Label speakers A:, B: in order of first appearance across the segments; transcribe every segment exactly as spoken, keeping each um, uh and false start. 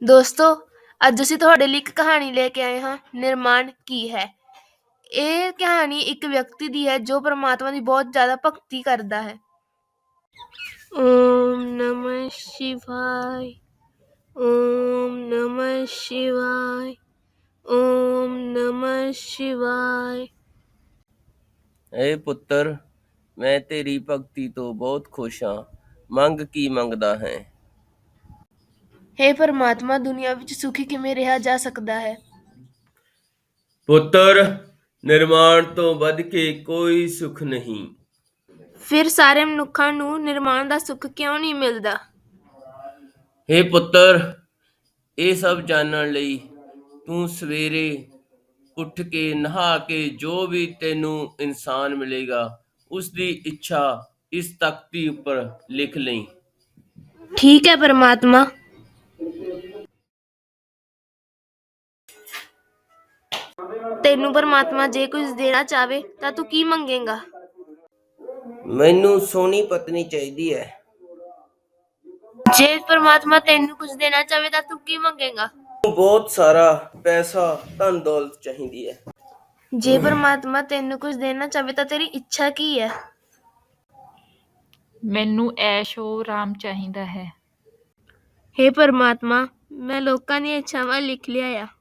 A: ਦੋਸਤੋ, ਅੱਜ ਅਸੀਂ ਤੁਹਾਡੇ ਲਈ ਇੱਕ ਕਹਾਣੀ ਲੈ ਕੇ ਆਏ ਹਾਂ, ਨਿਰਮਾਣ ਕੀ ਹੈ। ਇਹ ਕਹਾਣੀ ਇੱਕ ਵਿਅਕਤੀ ਦੀ ਹੈ ਜੋ ਪਰਮਾਤਮਾ ਦੀ ਬਹੁਤ ਜ਼ਿਆਦਾ ਭਗਤੀ ਕਰਦਾ ਹੈ। ਓਮ ਨਮः ਸ਼ਿਵਾय, ਓਮ ਨਮः ਸ਼ਿਵਾय, ਓਮ ਨਮः ਸ਼ਿਵਾय।
B: ਏ ਪੁੱਤਰ, ਮੈਂ ਤੇਰੀ ਭਗਤੀ ਤੋਂ ਬਹੁਤ ਖੁਸ਼ ਹਾਂ। ਮੰਗ ਕੀ ਮੰਗਦਾ ਹੈ?
A: ਹੇ ਪਰਮਾਤਮਾ, ਦੁਨੀਆ ਵਿੱਚ ਸੁਖੀ ਕਿਵੇਂ ਰਿਹਾ ਜਾ ਸਕਦਾ ਹੈ?
B: ਪੁੱਤਰ, ਨਿਰਮਾਣ ਤੋਂ ਵੱਧ ਕੇ ਕੋਈ ਸੁੱਖ ਨਹੀਂ।
A: ਫਿਰ ਸਾਰੇ ਮਨੁੱਖਾਂ ਨੂੰ ਨਿਰਮਾਣ ਦਾ ਸੁੱਖ ਕਿਉਂ ਨਹੀਂ ਮਿਲਦਾ?
B: ਹੇ ਪੁੱਤਰ, ਇਹ ਸਭ ਜਾਣਨ ਲਈ ਤੂੰ ਸਵੇਰੇ ਉੱਠ ਕੇ ਨਹਾ ਕੇ ਜੋ ਵੀ ਤੈਨੂੰ ਇਨਸਾਨ ਮਿਲੇਗਾ ਉਸ ਦੀ ਇੱਛਾ ਇਸ ਤਖਤੀ ਉੱਪਰ ਲਿਖ ਲਈ।
A: ਠੀਕ ਹੈ ਪਰਮਾਤਮਾ। ਤੈਨੂੰ ਪਰਮਾਤਮਾ ਜੇ ਕੁਝ ਦੇਣਾ ਚਾਹਵੇ ਤਾਂ ਤੂੰ ਕੀ ਮੰਗੇਗਾ?
B: ਮੈਨੂੰ ਸੋਹਣੀ ਪਤਨੀ ਚਾਹੀਦੀ ਹੈ।
A: ਜੇ ਪਰਮਾਤਮਾ ਤੈਨੂੰ ਕੁਝ ਦੇਣਾ ਚਾਹਵੇ ਤਾਂ ਤੂੰ ਕੀ ਮੰਗੇਗਾ?
B: ਬਹੁਤ ਸਾਰਾ ਪੈਸਾ, ਧਨ ਦੌਲਤ ਚਾਹੀਦੀ ਹੈ।
A: ਜੇ ਪਰਮਾਤਮਾ ਤੈਨੂੰ ਕੁਝ ਦੇਣਾ ਚਾਹਵੇ ਤਾਂ ਤੇਰੀ ਇੱਛਾ ਕੀ ਹੈ?
C: ਮੈਨੂੰ ਐਸ਼ੋ ਆਰਾਮ ਚਾਹੀਦਾ ਹੈ।
A: ਹੇ ਪਰਮਾਤਮਾ, ਮੈਂ ਲੋਕਾਂ ਦੀਆਂ ਇੱਛਾਵਾਂ ਲਿਖ ਲਿਆ ਆ।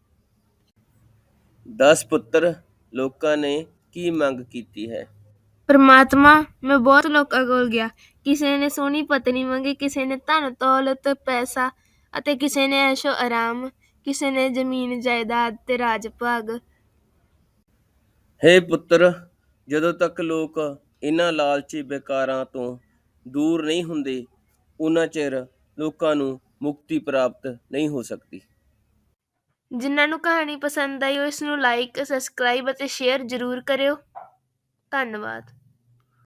B: ਦਸ ਪੁੱਤਰ, ਲੋਕਾਂ ਨੇ ਕੀ ਮੰਗ ਕੀਤੀ ਹੈ?
A: ਪਰਮਾਤਮਾ, ਮੈਂ ਬਹੁਤ ਲੋਕਾਂ ਕੋਲ ਗਿਆ। ਕਿਸੇ ਨੇ ਸੋਹਣੀ ਪਤਨੀ ਮੰਗੀ, ਕਿਸੇ ਨੇ ਧਨ ਦੌਲਤ ਪੈਸਾ ਅਤੇ ਕਿਸੇ ਨੇ ਐਸ਼ੋ ਆਰਾਮ, ਕਿਸੇ ਨੇ ਜ਼ਮੀਨ ਜਾਇਦਾਦ ਤੇ ਰਾਜ ਭਾਗ।
B: ਹੇ ਪੁੱਤਰ, ਜਦੋਂ ਤੱਕ ਲੋਕ ਇਹਨਾਂ ਲਾਲਚੀ ਵਿਕਾਰਾਂ ਤੋਂ ਦੂਰ ਨਹੀਂ ਹੁੰਦੇ ਉਨਾ ਚਿਰ ਲੋਕਾਂ ਨੂੰ ਮੁਕਤੀ ਪ੍ਰਾਪਤ ਨਹੀਂ ਹੋ ਸਕਦੀ।
A: ਜਿਨ੍ਹਾਂ ਨੂੰ ਕਹਾਣੀ ਪਸੰਦ ਆਈ ਉਹ ਇਸ ਨੂੰ ਲਾਈਕ, ਸਬਸਕ੍ਰਾਈਬ ਅਤੇ ਸ਼ੇਅਰ ਜ਼ਰੂਰ ਕਰਿਓ। ਧੰਨਵਾਦ।